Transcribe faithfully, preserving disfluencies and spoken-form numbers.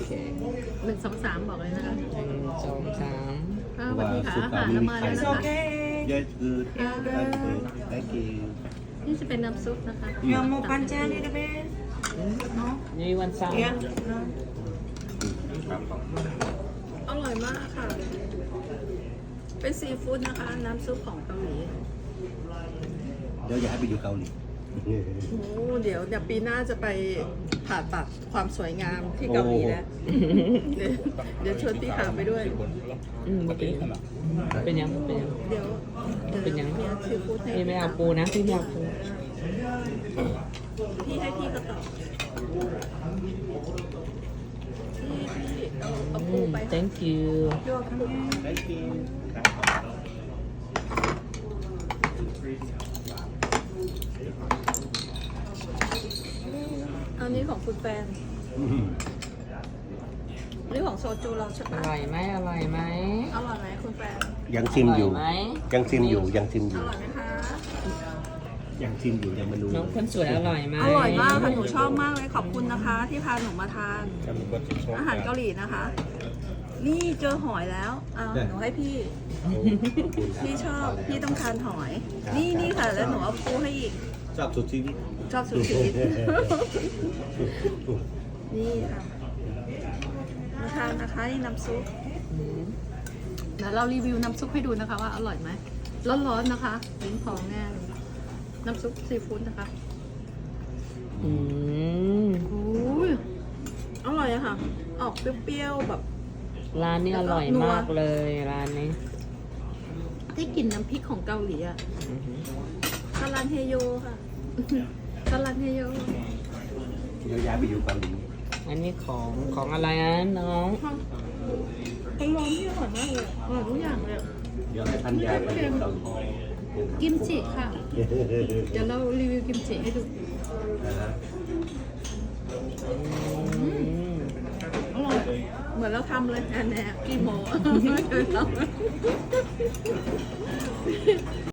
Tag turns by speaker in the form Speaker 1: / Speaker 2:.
Speaker 1: หนึ่งสองสามบอกเลยนะคะ
Speaker 2: หนึ่งสองสาม
Speaker 1: อ้าวสวัสดีค่ะอาหารเรามาแล้ว
Speaker 3: It's
Speaker 1: นะคะ
Speaker 3: okay.
Speaker 4: Yes, good. That's good. Thank you.
Speaker 1: นี่จะเป็นน้ำซุปนะคะ
Speaker 3: You want more pancit a little bit? No?
Speaker 2: นี่วันเสาร์
Speaker 3: Yeah. No.
Speaker 1: อร่อยมากค่ะ เป็นซีฟู้ดนะคะ น้ำซุปของเกาหลี
Speaker 4: เดี๋ยวอยากให้ไปอยู่เกาหลี
Speaker 1: โอ้เดี๋ยวเดี๋ยวปีหน้าจะไปผ่าตัดความสวยงามที่เกาหลีแล้ว เดี๋ยวเดี๋ยวชวนพี่ขาวไปด้วย
Speaker 2: อืมเป็นเป็นยังเป็นยัง
Speaker 1: เดี๋ยวดี๋ว
Speaker 2: เป็นยัง
Speaker 1: มีซีฟู้ดให้
Speaker 2: พี่ไม่เอาปูนะพี่ไม่เอาปู
Speaker 1: พี่ให้พี่ก็ตอบพี่พี่เอาเอา
Speaker 2: อื
Speaker 1: ปู
Speaker 2: ม
Speaker 1: ไป
Speaker 2: thank you
Speaker 3: You're coming.
Speaker 4: Thank you.
Speaker 1: อันนี้ของคุณแฟนอันนี้ของโซจูเราใช่
Speaker 2: อ
Speaker 1: ปะ
Speaker 2: ร่อยไหมอร่อยไหม
Speaker 1: อร่อยไหมคุณแฟน
Speaker 4: ยังชิมอยู่
Speaker 2: อร่อยไหม
Speaker 4: ยังชิมอยู่ ยังชิมอ
Speaker 1: อยู่ ร่อยไหมคะ
Speaker 4: ยังชิมอยู่ ยังมาดู
Speaker 2: น้องคนสวยอร่อยไหม
Speaker 1: อร่อยมากค่ะหนูชอบมากเลยขอบคุณนะคะ ที่พาหนูมาทาน อาหารเกาหลีนะคะ นี่เจอหอยแล้วเอาหนูให้พี่ พี่ชอบพี่ต้องทานหอย นี่นี่ค่ะ แล้วหนูเอาปูให้อีก
Speaker 4: ชอบสุดชีวิต
Speaker 1: ชอบสุดชีวิต นี่ค่ะมาทานนะคะนี่น้ำซุป
Speaker 2: อืม
Speaker 1: เดี๋ยวเรารีวิวน้ำซุปให้ดูนะคะว่าอร่อยไหมร้อนๆนะคะลิ้นพองแน่เลยน้ำซุปซีฟู้ดนะคะ
Speaker 2: อืม
Speaker 1: โอ้ยอร่อยอะค่ะ ออกเปรี้ยวๆแบบ
Speaker 2: ร้านนี้อร่อยมากเลยร้านนี้
Speaker 1: ได้กลิ่นน้ำพริกของเกาหลีอะ
Speaker 2: อือหือ
Speaker 1: คารันเฮโยค่ะ คารันเฮโย
Speaker 4: เดี๋ยวย้ายไปอยู่เกาหลี
Speaker 2: อันนี้ของของอะไรอ่ะน้อง
Speaker 1: เป็นร้อนที่อร่อยมากเลยอร่อยทุกอย่างเลย
Speaker 4: เดี๋ยวให้ท่านย้ายไปอยู่เกาหลี
Speaker 1: กิมจิค่ะ เดี๋ยวเรารีวิวกิมจิให้ดู
Speaker 4: นะฮะ
Speaker 2: อืม
Speaker 1: อร่อย เหมือนเราทำเลยแอนแนกี่โมไม่เคยทำ